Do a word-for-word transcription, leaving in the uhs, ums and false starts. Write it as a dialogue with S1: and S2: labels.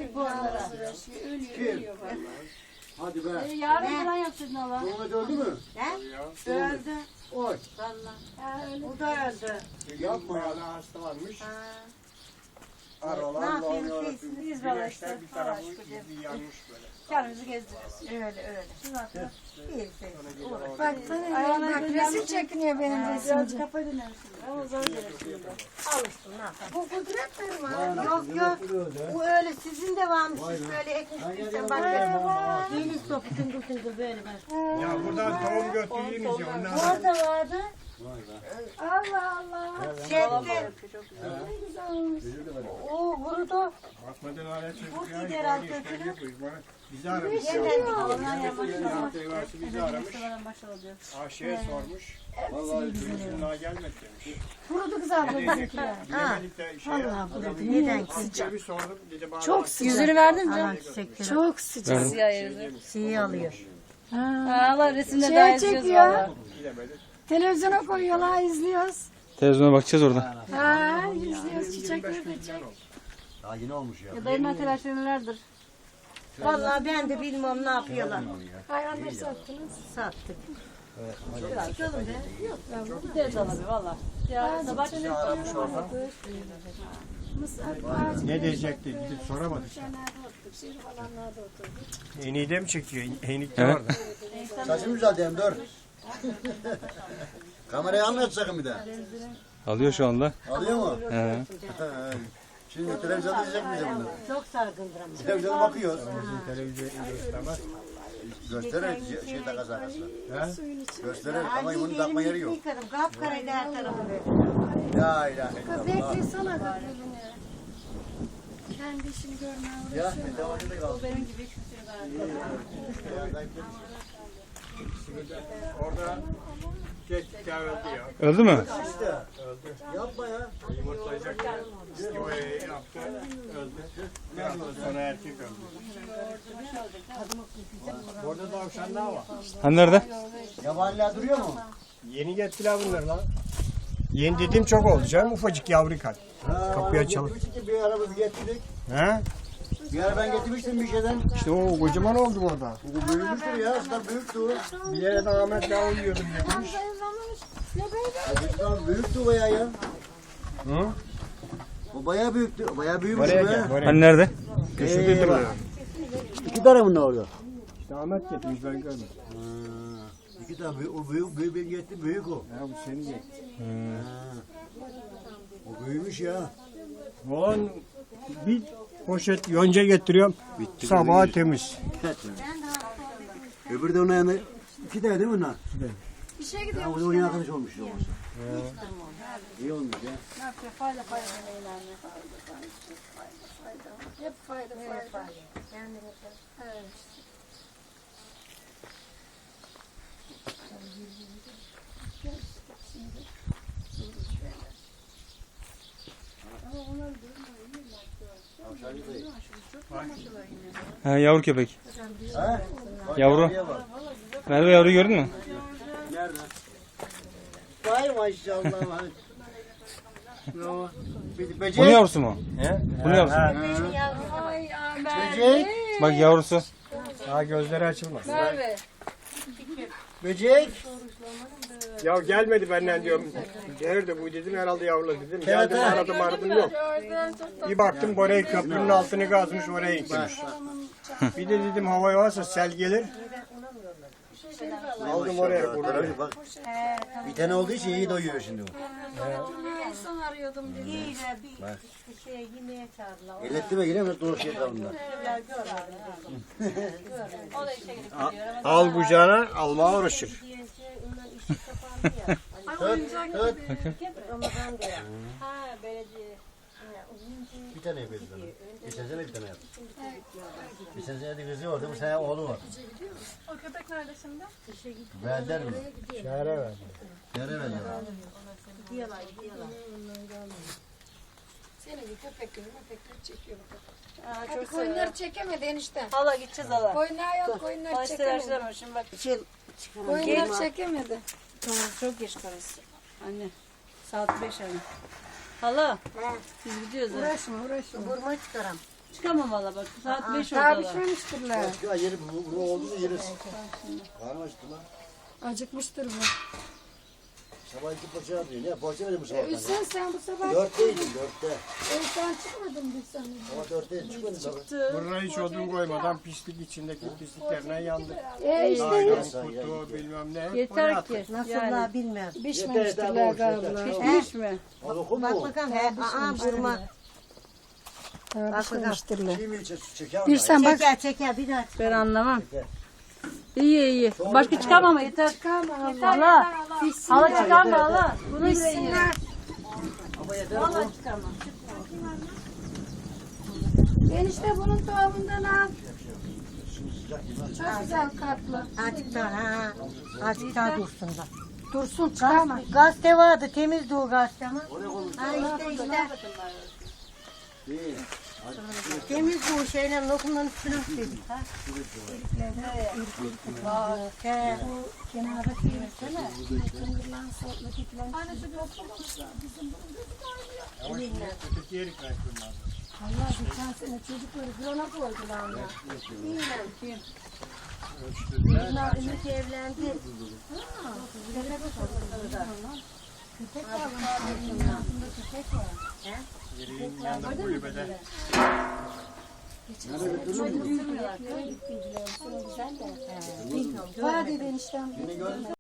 S1: bu arada. Ölüyor, ölüyor vallahi.
S2: Hadi be.
S1: Ee, yarın falan yapacaksın Allah.
S2: Muhammed öldü mü?
S3: He? Öldü.
S2: Oy.
S3: Vallahi. O da öldü.
S2: Yapma ya.
S4: Hala hastalanmış.
S3: Ha. Ne
S4: Aralar
S3: yapayım
S4: doğruyor.
S3: siz?
S1: Biz böyle
S4: Güneşten
S1: işte.
S4: bir tarafı
S1: Allah aşkına.
S4: izi yanmış böyle.
S1: Kendimizi gezdiriyoruz.
S3: Öyle öyle. İyi siz.
S5: Bak bana bak resim çekiniyor benim
S1: Biraz
S5: resimci.
S1: kafayı dinlersin. Ama zor gelir şimdi.
S3: Alıştın ne yapalım.
S5: Bu kudret mi?
S3: Yok yok. Bu öyle sizin de varmış. Siz böyle ekmişsiniz. Sen bak. Yeni sopu tıngıl tıngıl böyle ben.
S4: Ya buradan tohum götüreyim diyor. Ondan sonra
S3: Orada vardı.
S5: Allah Allah.
S3: Çekti. O vurudu.
S4: bakmadan hala çocuk
S3: Bu
S4: ya.
S3: gider
S4: böyle
S3: alt
S4: işler
S3: götürür.
S4: yapıyor. Bana- Bizi aramış. ya.
S3: Yeniden
S4: Hafta bizi aramış.
S1: Maşallah diyor.
S4: Aşıya sormuş.
S2: Vallahi
S4: Çocuğun daha gelmedi demiş.
S5: Kurudu kız abla bizimkiler.
S4: Bilemedik de şeye.
S5: Allah kurudu.
S3: Neden
S4: Sıcak. Bir sordum. Dedi bana
S5: Çok sıcak.
S1: Yüzünü verdin mi?
S3: Alan çiçekleri.
S5: Çok sıcak.
S1: Siyah yüzü.
S3: Şeyi alıyor.
S1: Ha, Allah resimde
S5: Şey
S1: daha izliyoruz
S5: çekiyor.
S1: valla.
S4: bilemedik.
S5: Televizyona koyuyorlar izliyoruz.
S6: Televizyona bakacağız orada.
S5: Ha izliyoruz çiçekleri de çek.
S2: Daha yeni olmuş ya.
S1: Ya dayımlar telaşları nelerdir?
S3: Vallahi ben de bilmem ne yapıyorlar.
S5: Hayvanları sattınız.
S3: Sattık.
S1: Gideriz abi valla. Ya sabah
S4: Ne diyecekti? Gidip soramadık. Eniği de mi çekiyor? Enik de
S6: Evet.
S4: orada.
S2: Saçım güzeldi hem dur. Kamerayı almayacak sakın bir de.
S6: Alıyor şu anda.
S2: Alıyor mu?
S6: He.
S2: Şimdi televizyonda izleyecek miyiz bunu?
S3: Çok sargındır ama.
S2: Televizyona bakıyoruz.
S4: Televizyon göstermez.
S2: Gösterir şey takas arkasına.
S4: He?
S2: Gösterir ama
S3: Ay,
S2: bunun takma yeri
S3: elimi
S2: yok.
S3: yıkadım. Kapkaraydı her tarafı böyle.
S2: La ilahe illallah.
S5: Beklesene bak elini. Kendi işini görmeye
S2: Ya devamlı da kaldı.
S1: benim gibi
S4: Orada geçti ya öldü ya.
S6: Öldü mü?
S2: İşte. Yapma ya.
S4: Yumurtlayacak ya. İstivayı yaptı. Öldü. Bir hafta sonra erkek öldü. Orada tavşan daha var.
S6: Hani nerede?
S2: Yabaniler duruyor mu?
S4: Yeni gettiler bunları lan. Yeni dediğim çok oldu canım. Ufacık yavru kal.
S2: Ha,
S4: Kapıyı
S2: vallahi
S4: açalım.
S2: getirmiştik ki bir arabası getirdik.
S4: He?
S2: Bir ara ben getirmiştim bir şeyden.
S4: İşte o kocaman oldu orada.
S2: Bu büyümüştür ya. Aslında büyüktü o.
S4: Bir yere de Ahmet daha uyuyordum demiş.
S2: Aslında büyüktü o bayağı ya.
S4: Hı?
S2: O bayağı büyüktü. O bayağı büyümüş
S4: Oraya
S2: be.
S4: gel. Oraya.
S6: Hani nerede?
S4: Köşedeydim
S2: Eyvah.
S4: ben.
S2: İki tane bunlar orada.
S4: İşte Ahmet getirmiş ben görmedim.
S2: Ha, iki tane büyük. O büyük, büyük ben getti. Büyük o.
S4: Ya bu senin getti.
S2: Ha. O büyümüş ya.
S4: Ulan bir poşet yonca getiriyorum.
S2: Bitti.
S4: Sabah
S2: bitti.
S4: temiz.
S2: Öbürü de onun yanında. İki tane değil mi bunlar?
S5: İşe
S2: Ha,
S5: gidiyor.
S2: o da onun arkadaş olmuş. olmasa. İyi olmuş ya.
S1: ne yapıyor? Fayda fayda neyler
S5: Hep fayda fayda.
S6: He, yavru köpek.
S2: Ha? Bak,
S6: Yavru.
S2: yavruya bak.
S6: Merve yavruyu gördün mü?
S2: Nerede? Vay maşallah. vay. Yo, bir böcek.
S6: Bunun yavrusu mu?
S4: He?
S6: Bunun yavrusu.
S1: Ay aman.
S2: Böcek.
S6: Bak yavrusu.
S4: Daha gözleri açılmaz.
S1: Merve.
S2: Böcek.
S4: Ya gelmedi benden diyorum. Nerede bu dedim herhalde yavru dedim. Geldim
S2: Evet,
S4: aradım aradım yok. Bir baktım orayı köprünün altını kazmış oraya gitmiş. Bir de dedim hava varsa sel gelir. Aldım oraya kurtardım.
S2: Bak. Bir tane olduğu için iyi doyuyor şimdi o.
S5: İnsan arıyordum dedi.
S3: İyi de bir işte şey yemeğe çağırdılar.
S2: Elletti mi yine doğru şey kalında.
S1: O da işe gidip geliyor.
S4: Al kucağına almaya uğraşır.
S3: Ondan işi kapandı ya.
S2: Tut, tut.
S3: Ramazan da ya.
S1: Ha belediye.
S2: Bir tane yapıyordu sana. Geçen sene bir tane yaptı. Geçen sene de kızı vardı, bu sene oğlu var.
S5: O köpek nerede şimdi?
S2: Verdiler mi?
S4: Şehre verdi.
S2: Yere verdiler.
S3: Gidiyorlar gidiyorlar.
S5: Senin köpekleri köpekleri çekiyor.
S1: Ha,
S5: Hadi
S1: çok
S5: koyunları
S1: severim.
S5: çekemedi enişte.
S1: Hala gideceğiz hala.
S5: Koyunlar yok koyunları
S1: Hala
S5: çekemedi.
S1: istemişler şimdi bak.
S3: Şey çıkarın.
S5: Koyunları çekemedi.
S1: Tamam çok geç karısı. Anne. Saat beş anne. Hala.
S3: He.
S1: Biz gidiyoruz ha.
S5: Uğraşma uğraşma.
S3: Vurma çıkaram.
S1: Çıkamam valla bak. Saat beş
S5: Daha
S1: oradalar.
S5: pişmemiştirler.
S2: Ya yeri bu, bu oldu da yeriz. Karnım acıktı lan.
S5: Acıkmıştır bu.
S2: Sabah iki poğaça yapıyor. Ne poğaça verdim bu sabah.
S5: Hüseyin sen bu sabah
S2: Dörtteydim dörtte.
S5: E, sen çıkmadın biz sana.
S2: Ama dörtteydim çıkmadım tabii.
S4: Buraya hiç odun koymadan pislik içindeki pisliklerine yandık.
S5: E işte
S4: Ayran, kutu bilmem ne. hep
S1: Yeter
S4: oraya
S1: ki.
S4: attık.
S3: Nasıl
S1: Yani.
S3: la bilmem.
S5: pişmemiştirler galiba.
S1: Pişmiş mi?
S2: O lokum
S3: Bak
S2: mu?
S3: bakalım. He, aa burma.
S5: Daha pişmemiştirler.
S2: Çiğ mi içe çeker
S5: Bir
S2: mi?
S5: sen bak.
S3: Çeker çeker bir daha.
S1: Ben anlamam.
S2: Çeker.
S1: İyi iyi. Başka çıkamam yeter. Hala. Hala çıkarma hala. Bunu
S5: Pişsinler.
S2: Ama yeter
S1: Valla
S2: bu.
S1: çıkarmam.
S5: Enişte bunun tohumundan al.
S2: Şimdi sıcak değil mi?
S5: Çok güzel katlı.
S3: Azıcık daha ha. Azıcık daha dursun da.
S5: Dursun çıkarma.
S3: Gazete vardı temizdi o gazete ama.
S2: Oraya koymuş.
S3: Ha işte işte.
S2: Değil.
S3: Temiz bu şeyle lokumların üstüne dedik ha. He.
S5: Kenarda kıyırsana. Kenardan sonra ötekiler. Hani şu dokumamışlar. Bizim bunun gözü kaynıyor.
S4: Öteki yeri kaykırmaz.
S5: Allah geçen sene çocukları grona koydular onlar.
S3: İyiyim.
S4: Ölçtüler.
S3: Bunlar Ümit evlendi.
S5: Köpek var bunun altında köpek var.
S4: Yerin yanında kulübede.
S5: Geçen sene çocukları gittiydiler. Bu sene güzel de. Hadi ben işten.